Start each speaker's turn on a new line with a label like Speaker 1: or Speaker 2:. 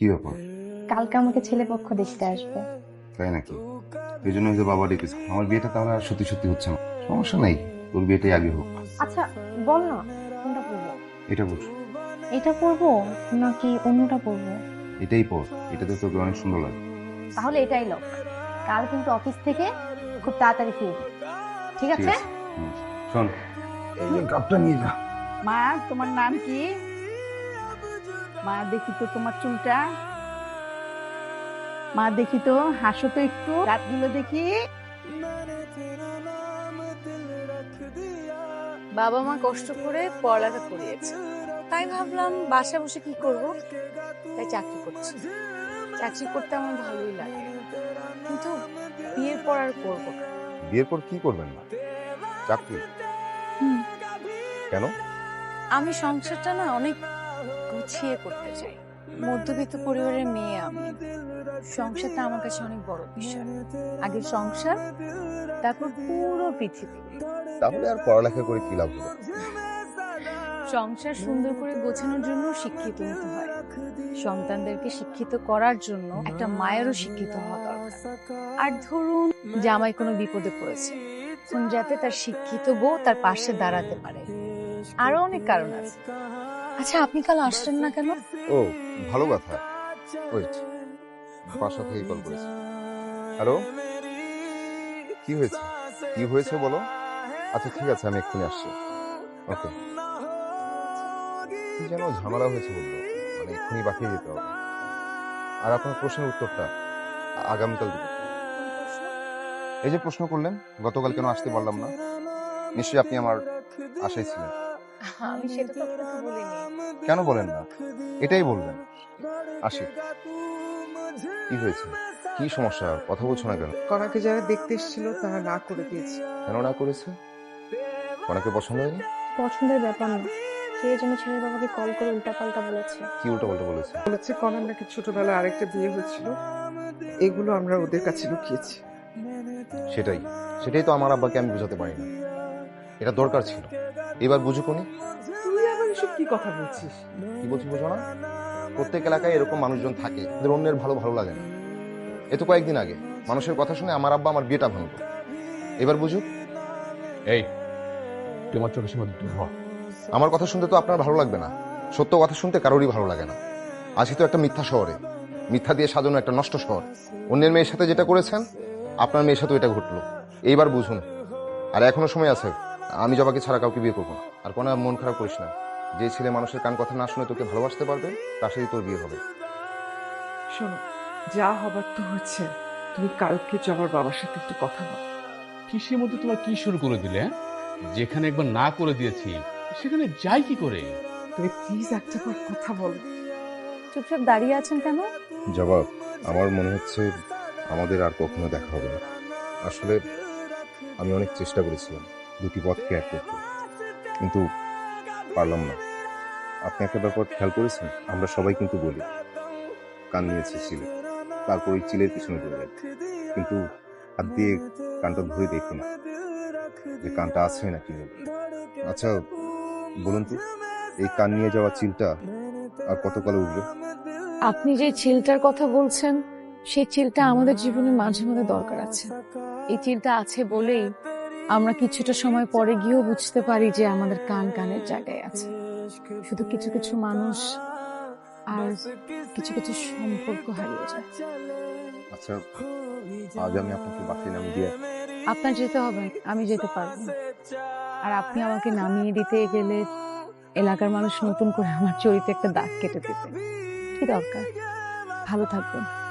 Speaker 1: কি ব্যাপার?
Speaker 2: কালকে আমাকে ছেলে পক্ষ দেখতে আসবে।
Speaker 1: তাই নাকি? এই জন্য হয়তো বাবা ডেকেছে। আমার বিয়েটা তাহলে আর সত্যি সত্যি হচ্ছে না। সমস্যা নাই, তোর বিয়েটাই আগে হোক।
Speaker 2: আচ্ছা বল না, কোনটা পরবো?
Speaker 1: এটা বল।
Speaker 2: এটা পরবো নাকি অন্যটা পরবো?
Speaker 1: এটাই পর, এটাতে তোকে অনেক সুন্দর লাগে।
Speaker 2: তাহলে এটাই লোক। কাল কিন্তু অফিস থেকে খুব তাড়াতাড়ি ফিরবি, ঠিক
Speaker 1: ঠিক
Speaker 2: আছে?
Speaker 1: আছে। শোন, এই যে কাপটা নিয়ে যা।
Speaker 3: মা, তোমার নাম কি? মা দেখি তো তোমার চুলটা। মা দেখি তো, হাসো তো একটু, দাঁতগুলো দেখি।
Speaker 4: বাবা মা কষ্ট করে পড়ালেখা করিয়েছে, তাই ভাবলাম বাসায় বসে কি করব, তাই চাকরি করছি। চাকরি করতে আমার ভালোই লাগে, কিন্তু বিয়ের পর আর করবো না।
Speaker 1: বিয়ের পর কি করবেন না? চাকরি?
Speaker 4: হুম।
Speaker 1: কেন?
Speaker 4: আমি সংসারটা না অনেক গুছিয়ে করতে চাই। মধ্যবিত্ত পরিবারের মেয়ে আমি, সংসারটা আমার কাছে অনেক বড় বিষয়। আগে সংসার, তারপর পুরো পৃথিবী।
Speaker 1: তাহলে আর পড়ালেখা করে কি লাভ হবে?
Speaker 4: সংসার সুন্দর করে গোছানোর জন্য শিক্ষিত হতে হয়, সন্তানদেরকে শিক্ষিত করার জন্য একটা মায়েরও শিক্ষিত হওয়া দরকার। আর ধরুন জামাই কোনো বিপদে পড়েছে, তখন যাতে তার শিক্ষিত বউ তার পাশে দাঁড়াতে পারে। আরো অনেক কারণ আছে। আচ্ছা, আপনি কাল আসলেন না কেন?
Speaker 1: ও, ভালো কথা। ওয়েট, বাসা থেকে কল করেছে। হ্যালো, কি হয়েছে? কি হয়েছে বলো। আচ্ছা ঠিক আছে, আমি এক্ষুনি আসছি। ওকে। কি যেন ঝামেলা হয়েছে বললো, মানে এক্ষুনি বাকিয়ে যেতে হবে। আর আপনার প্রশ্নের উত্তরটা আগামীকাল দিবেন। এই যে প্রশ্ন করলেন গতকাল কেন আসতে পারলাম না, নিশ্চয়ই আপনি আমার আশায় ছিলেন।
Speaker 4: আমি সেটা তো আপনাকে বলিনি।
Speaker 1: কেন বলেন না? এটাই বলবেন। আসি। কি হয়েছে? কি সমস্যা? কথা বলছো না কেন?
Speaker 5: কনাকে যারা দেখতে এসেছিল তারা না করে দিয়েছে।
Speaker 1: কেন না করেছে? অনেকে পছন্দ হয়নি?
Speaker 2: পছন্দের ব্যাপার না, কে যেন ছেলের বাবাকে কল করে উল্টাপাল্টা বলেছে।
Speaker 1: কি উল্টো পাল্টা বলেছে?
Speaker 5: বলেছে কনার নাকি ছোটবেলায় আরেকটা বিয়ে হয়েছিল, এগুলো আমরা ওদের কাছে লুকিয়েছি।
Speaker 1: সেটাই সেটাই তো আমার আব্বাকে আমি বুঝাতে পারি না। এটা দরকার ছিল, এবার বুঝুকনি।
Speaker 5: তুই আবার এসব কি কথা বলছিস?
Speaker 1: কি বলছি বুঝো না? প্রত্যেক এলাকায় এরকম মানুষজন থাকে, ওদের অন্যের ভালো ভালো লাগে না। এ তো কয়েকদিন আগে মানুষের কথা শুনে আমার আব্বা আমার বিয়েটা ভাঙলো। এবার বুঝুক।
Speaker 6: এই, তোমার চোখের সামনে দূর হ।
Speaker 1: আমার কথা শুনতে তো আপনার ভালো লাগবে না, সত্য কথা শুনতে কারোরই ভালো লাগে না। আজকে তো একটা মিথ্যা শহরে, মিথ্যা দিয়ে সাজানো একটা নষ্ট শহর। অন্যের মেয়ের সাথে যেটা করেছেন আপনার মেয়ের সাথে এটা ঘটলো। এইবার বুঝুন। আর এখনো সময় আছে, আমি জবাকে ছাড়া কাউকে বিয়ে করবো না। আর কোনো মন খারাপ করিস না, যে ছেলে মানুষের কান কথা না শুনে তোকে ভালোবাসতে পারবে তার সাথে তোর বিয়ে হবে।
Speaker 5: শোনো, যা হবার তো হচ্ছে। তুমি কালকে জবার বাবার সাথে একটু কথা বল।
Speaker 6: কিসের মধ্যে তোমার কি শুরু করে দিলে? যেখানে একবার না করে দিয়েছি সেখানে যাই কি করে?
Speaker 5: তুমি প্লিজ একটা বার কথা বলো।
Speaker 4: চুপচাপ দাঁড়িয়ে আছেন কেন?
Speaker 1: জবাব, আমার মনে হচ্ছে আমাদের আর কখনো দেখা হবে না। আসলে আমি অনেক চেষ্টা করেছিলাম দুটি পথকে এক করতে, কিন্তু পারলাম না। আপনি একটা ব্যাপার খেয়াল করেছেন, আমরা সবাই কিন্তু বলি কান নিয়েছে চিলে, তারপর ওই চিলের পিছনে দৌড়াই, কিন্তু হাত দিয়ে কানটা ধরে দেখি না যে কানটা আছে নাকি নেই। আচ্ছা বলুন তো, এই কান নিয়ে যাওয়া চিলটা আর কতকালে উঠবে?
Speaker 4: আপনি যে চিলটার কথা বলছেন, সেই চিলটা আমাদের জীবনে মাঝে মাঝে দরকার আছে। এই চিলটা আছে বলেই আমরা কিছুটা সময় পরে গিয়েও বুঝতে পারি যে আমাদের কান কানের জায়গায় আছে। শুধু কিছু কিছু মানুষ আর কিছু কিছু সম্পর্ক হারিয়ে যায়।
Speaker 1: আচ্ছা, আজ আমি আপনাকে বাসায় নামিয়ে দিয়ে।
Speaker 4: আপনার যেতে হবে না, আমি যেতে পারবো না। আর আপনি আমাকে নামিয়ে দিতে গেলে এলাকার মানুষ নতুন করে আমার চরিত্রে একটা দাগ কেটে দেবে। কি দরকার? ভালো থাকবেন।